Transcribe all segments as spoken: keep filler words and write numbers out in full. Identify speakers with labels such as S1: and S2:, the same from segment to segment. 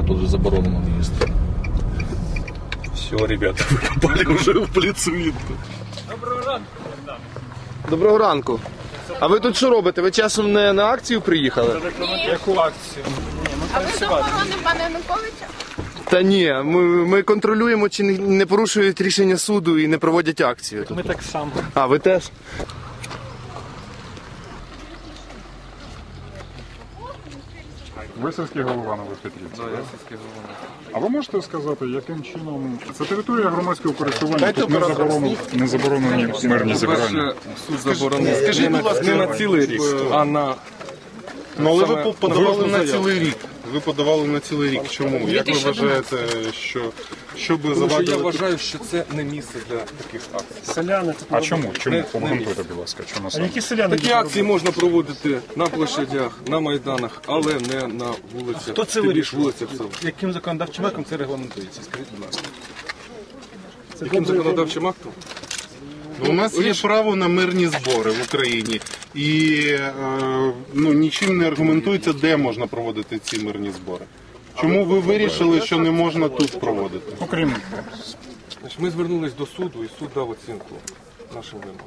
S1: А, тут же заборонено їсти. Все, ребята, ви попали вже в плецвіт.
S2: Доброго ранку.
S3: Доброго ранку. А ви тут що робите? Ви часом не на акцію приїхали?
S2: Ні. Яку акцію?
S4: А ви з охорони пана Януковича?
S3: Та ні, ми, ми контролюємо, чи не, не порушують рішення суду і не проводять акцію.
S2: Ми так само.
S3: А, ви теж?
S5: Ви сільський голова Новопетрівці?
S2: Так, я сільський голова.
S5: А ви можете сказати, яким чином це територія громадського користування, тут не заборонені, не заборонені мирні зібрання?
S2: Суд заборонив. Скажіть, будь ласка, не на цілий рік, а на...
S6: Ну, але ви
S2: Саме
S6: подавали на
S2: заяву.
S6: цілий рік. Ви подавали на цілий рік. Чому? Як ви вважаєте, що, що би
S2: Тому що я
S6: завадило?
S2: вважаю, що це не місце для таких акцій.
S7: Селяни.
S5: А чому? Чому?
S2: Не-
S5: Обґрунтуйте, будь ласка, чому
S7: А
S5: саме?
S7: які селяни?
S2: Такі акції можна проводити на площадях, на майданах, але не на вулицях.
S7: Хто це
S2: Тим більш
S7: вирішує?
S2: вулицях села.
S7: Яким законодавчим актом це регламентується? Скажіть, будь ласка.
S2: Яким законодавчим актом?
S6: Ну, у нас є право на мирні збори в Україні. І е, ну, нічим не аргументується, де можна проводити ці мирні збори. Чому ви вирішили, що не можна тут проводити?
S5: Окрім
S2: Значить, ми звернулись до суду, і суд дав оцінку нашим вимогам.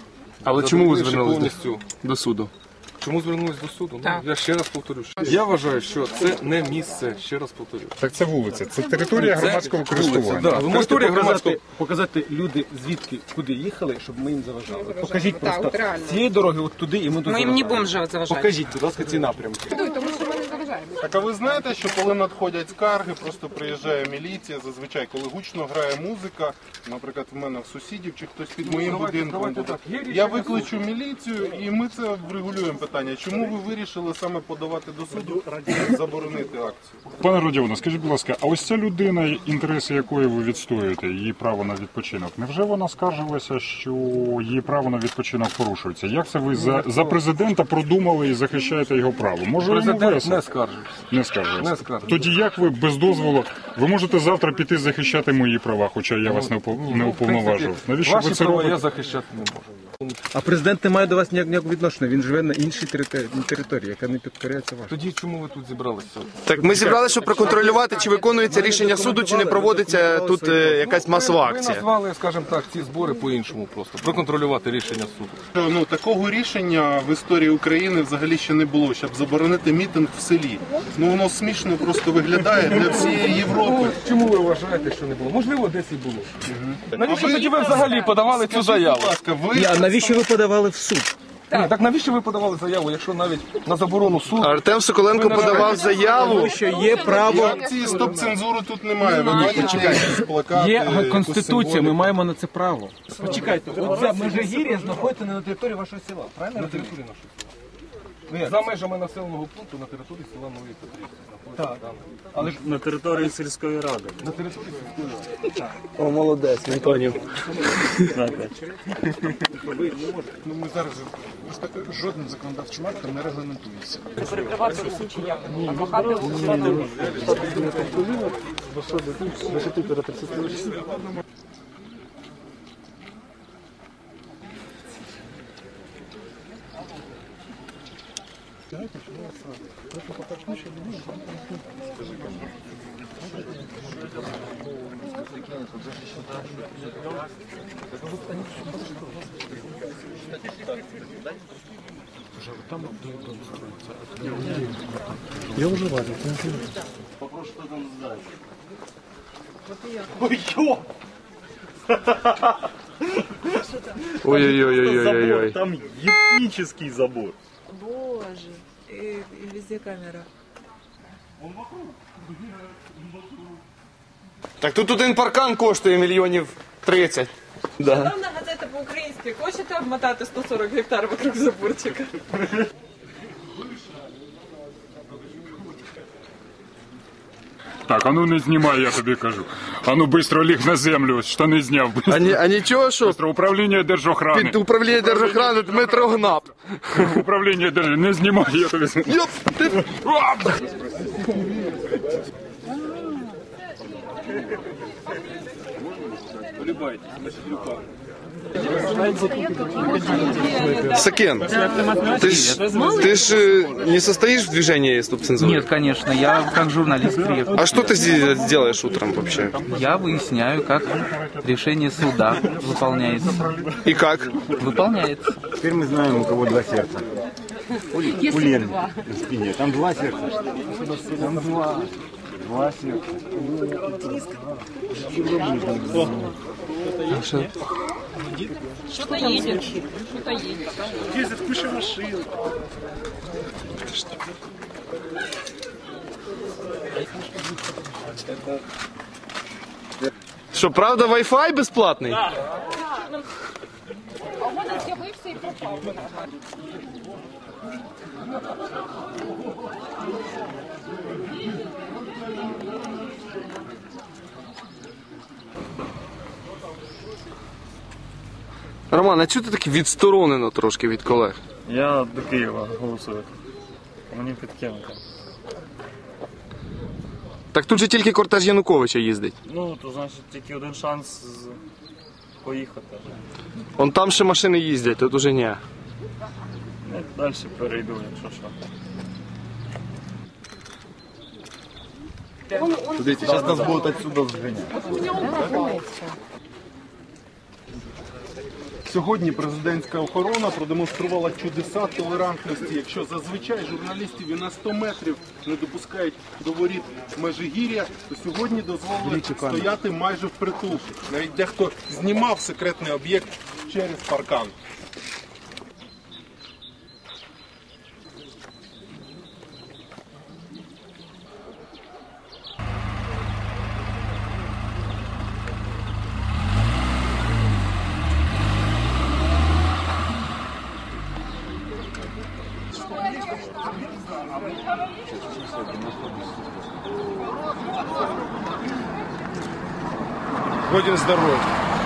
S3: Але чому ви
S2: Задовольнивши
S3: звернулися
S2: повністю?
S3: до суду?
S2: Чому звернулись до суду? Ну, я ще раз повторю. що Я вважаю, що це не місце, ще раз повторю.
S5: так це вулиця, це територія громадського
S2: Вулиця,
S5: користування.
S2: да. Ви можете
S7: Можете
S2: громадського...
S7: показати, показати люди, звідки, куди їхали, щоб ми їм заважали. От покажіть
S4: Так,
S7: просто
S4: от реально.
S7: з цієї дороги от туди і ми тут
S8: Мы им не
S7: заважаємо.
S8: будем же заважать.
S7: Покажіть, будь ласка, ці напрямки.
S4: Тому що ми не заважаємо.
S6: Так, а ви знаєте, що коли надходять скарги, просто приїжджає міліція, зазвичай, коли гучно грає музика, наприклад, в мене в сусідів чи хтось під моїм
S2: давайте-
S6: будинком
S2: давайте
S6: буде,
S2: так. Є рішення
S6: я викличу міліцію і ми це врегулюємо питання. Чому ви вирішили саме подавати до суду і заборонити акцію?
S5: Пане Родіоне, скажіть, будь ласка, а ось ця людина, інтереси якої ви відстоюєте, її право на відпочинок, невже вона скаржилася, що її право на відпочинок порушується? Як це ви за, за президента продумали і захищаєте його право? Може, йому
S2: Президент
S5: весело?
S2: не скаржить.
S5: Не скаржилися.
S2: Не скаржиться.
S5: Тоді як ви без дозволу, ви можете завтра піти захищати мої права, хоча я вас не упов- не уповноважував. Навіщо
S2: Ваші
S5: ви це
S2: права я
S5: робите?
S2: захищати не можу.
S7: А президент не має до вас ніяк- ніякого відношення, він живе на іншій території, території яка не підкоряється вашій.
S2: Тоді чому ви тут зібралися?
S3: Так ми зібралися, щоб проконтролювати, чи виконується рішення суду, чи не проводиться тут е, якась масова
S2: Ви
S3: акція.
S2: назвали, скажімо так, ці збори по-іншому просто. Проконтролювати рішення суду.
S6: Ну, такого рішення в історії України взагалі ще не було, щоб заборонити мітинг в селі. Ну, воно смішно просто виглядає для всієї Європи.
S2: Чому ви вважаєте, що не було? Можливо, десь і було. Навіщо
S6: А ви-
S2: тоді ви взагалі подавали цю заяву?
S6: Будь ласка, ви...
S7: А навіщо ви подавали в суд?
S2: Ні, так навіщо ви подавали заяву, якщо навіть на заборону суду?
S3: Артем Соколенко подавав заяву.
S7: Що є право,
S6: Акції стоп-цензуру тут немає. Ви бачите, якісь плакати,
S7: є
S6: якусь
S7: конституція, ми
S6: символіку.
S7: маємо на це право. Почекайте, оця межигір'я знаходиться не на території вашого села, правильно?
S2: На території нашого села. За межами населеного пункту на території села Нової Петрівці. Так.
S7: Але ж на території сільської ради.
S2: На території сільської ради.
S3: О, молодець, не поняв.
S7: Ну, ми зараз жодним законодавчим актом не регламентується.
S3: Ой-ой-ой-ой-ой-ой.
S9: Там ебический забор.
S8: Боже, и, и везде камера.
S3: Так тут один паркан коштує мільйонів тридцять. Да.
S8: Главна газета по-українськи. Хочете обмотати сто сорок гектар вокруг заборчика?
S5: Так, а ну не знімай, я тобі кажу. А ну бистро ліг на землю, штани зняв.
S3: А, ні, а нічого, що
S5: Бистро, управління держохрани.
S3: під управління держохорони Дмитро Гнап.
S5: Управління держохрани. Не знімай, я тобі...
S3: Йоп, ти... Сакен, ты ж, ты ж э, не состоишь в движении стоп-цензуры?
S10: Нет, конечно, я как журналист приехал.
S3: А что ты здесь делаешь утром вообще?
S10: Я выясняю, как решение суда выполняется.
S3: И как?
S10: Выполняется.
S9: Теперь мы знаем, у кого два сердца. У, у Лены на спине. Там два сердца. Там два. Два сердца.
S8: Что-то едет. Что-то едет.
S9: Ездит куча машин.
S3: Что, правда Wi-Fi бесплатный?
S4: А у мене з'явився і пропав.
S3: Роман, а чого ти так відсторонено трошки від колег?
S9: Я до Києва голосую. Мені підкинути.
S3: Так тут же тільки кортеж Януковича їздить.
S9: Ну, то значить тільки один шанс з- поїхати.
S3: Он там ще машини їздять, тут уже ні.
S9: Я далі перейду, якщо що.
S7: Зараз нас будуть отсюда зганяти.
S6: Сьогодні президентська охорона продемонструвала чудеса толерантності. Якщо зазвичай журналістів і на сто метрів не допускають до воріт Межигір'я, то сьогодні дозволили стояти майже впритул. Навіть дехто знімав секретний об'єкт через паркан.
S3: Будем здоровы.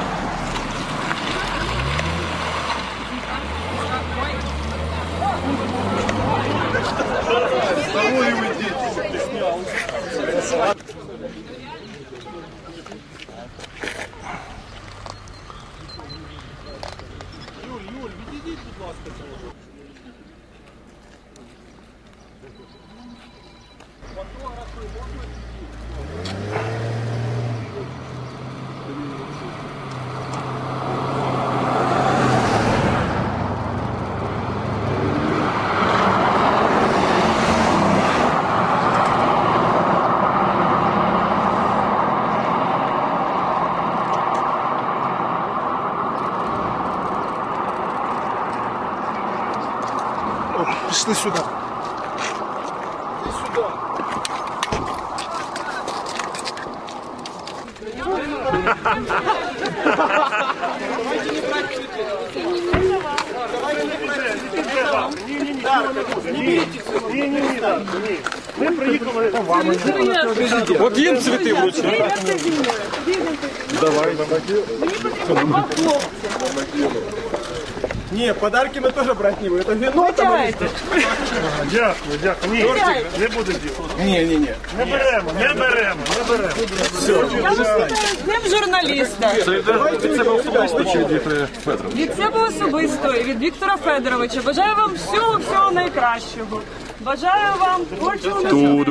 S3: Пішли сюди.
S9: Ми приїхали по вами.
S2: От їм цвіти вручили.
S3: Давай.
S7: Ні, подарки ми теж брати не будемо. Це вино там.
S9: Дякую, дякую. Ні, не буде діло.
S7: Ні, ні, ні.
S9: Не беремо, не беремо, не беремо.
S8: З ним журналіста.
S2: Від себе особисто чи від Федорова?
S8: Від себе особисто і від Віктора Федоровича. Бажаю вам всього-всього найкращого. Бажаю вам творчого наснаги.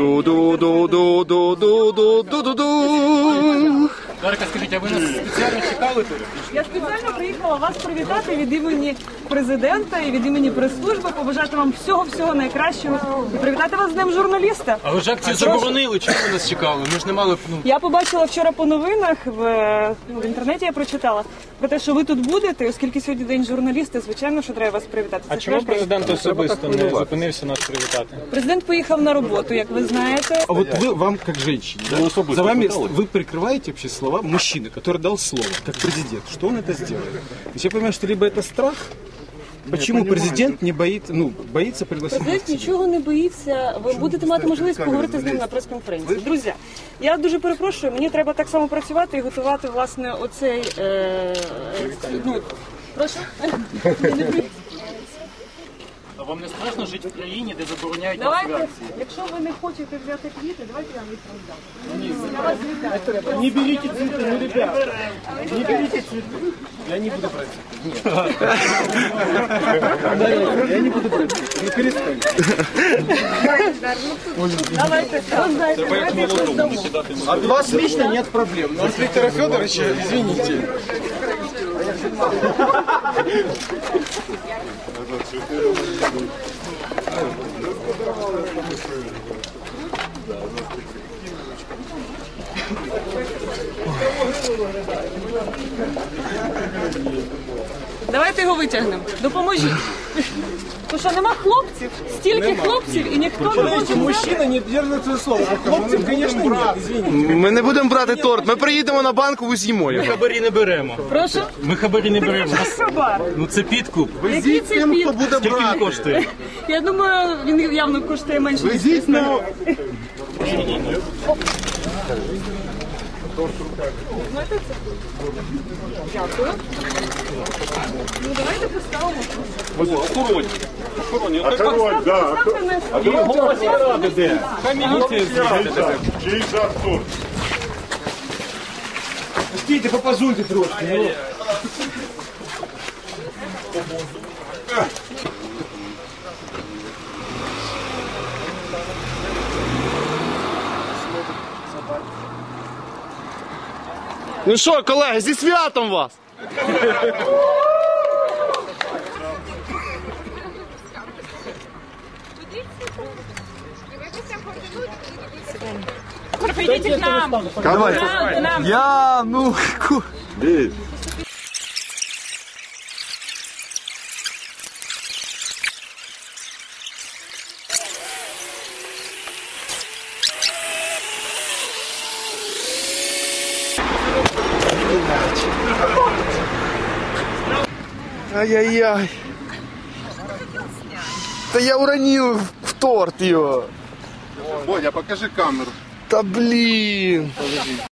S3: Ду-ду-ду-ду-ду-ду-ду-ду.
S10: Дарка, скажіть, а ви нас спеціально чекали тут?
S8: Я спеціально приїхала вас привітати від імені президента і від імені прес-служби, побажати вам всього-всього найкращого і привітати вас з Днем журналіста.
S10: А ви ж акцію заборонили, чому ви нас чекали? Ми ж не мали, ну...
S8: Я побачила вчора по новинах, в, ну, в інтернеті я прочитала, про те, що ви тут будете, оскільки сьогодні День журналіста, звичайно, що треба вас привітати. Це
S11: А чому президент особисто не зупинився нас привітати?
S8: Президент поїхав на роботу, як ви знаєте.
S7: А вот вы, вам как женщине, да, за вами вы прикрываете вообще слова мужчины, который дал слово, как президент. Что он это сделает? То есть я понимаю, что либо это страх, почему президент не боится, ну, боится пригласить?
S8: Президент нічого не боїться. Ви будете мати можливість поговорити з ним на прес-конференції. Друзі, я дуже перепрошую, мені треба так само працювати і готувати, власне, оцей... Е, ну, прошу?
S11: А вам не страшно жити в країні, де забороняють
S8: Давайте,
S11: трансляції?
S8: якщо ви не хочете взяти квіти, давайте я їх роздам. Я вас вітаю.
S7: Не берите цветы, ну, ребята. Не берите цветы. Я не буду брать цветы. Нет. Я не буду брать цветы. Ну, перестань.
S8: Давайте, роздайте. Давайте їх роздамо.
S7: От вас лично нет проблем. Но от Виктора Федоровича, извините.
S8: Давайте його витягнемо. Допоможіть. Тому що нема хлопців, стільки хлопців і ніхто не може.
S7: Мужчина не держит свое слово. А хлопцев, конечно, нет, извините.
S3: Ми не будемо брати торт, ми приїдемо на банку і з'їмо його.
S11: Хабарі не беремо.
S8: Прошу?
S11: Ми хабарі не беремо.
S8: Хабар.
S11: Ну це підкуп.
S8: Який це під?
S11: Скільки він коштує?
S8: Я думаю, він явно коштує менше. ніж
S6: Везіть на
S8: Дякую. Ну давайте поставимо.
S1: Охоронні. Охоронні.
S5: А король, да.
S8: Ставте на
S5: А
S8: стіл.
S5: голова ради де?
S11: Хай міліція з'їде.
S5: Чий жар торт?
S7: Пустите, попозуйте трошки. Ну.
S3: Ну що, колеги, зі святом вас!
S4: Прийдіть к нам.
S3: Давай.
S4: К нам.
S3: Я, ну, ку... Ай-яй-яй. Да я уронил в торт его.
S6: Бодя, покажи камеру.
S3: Да блин.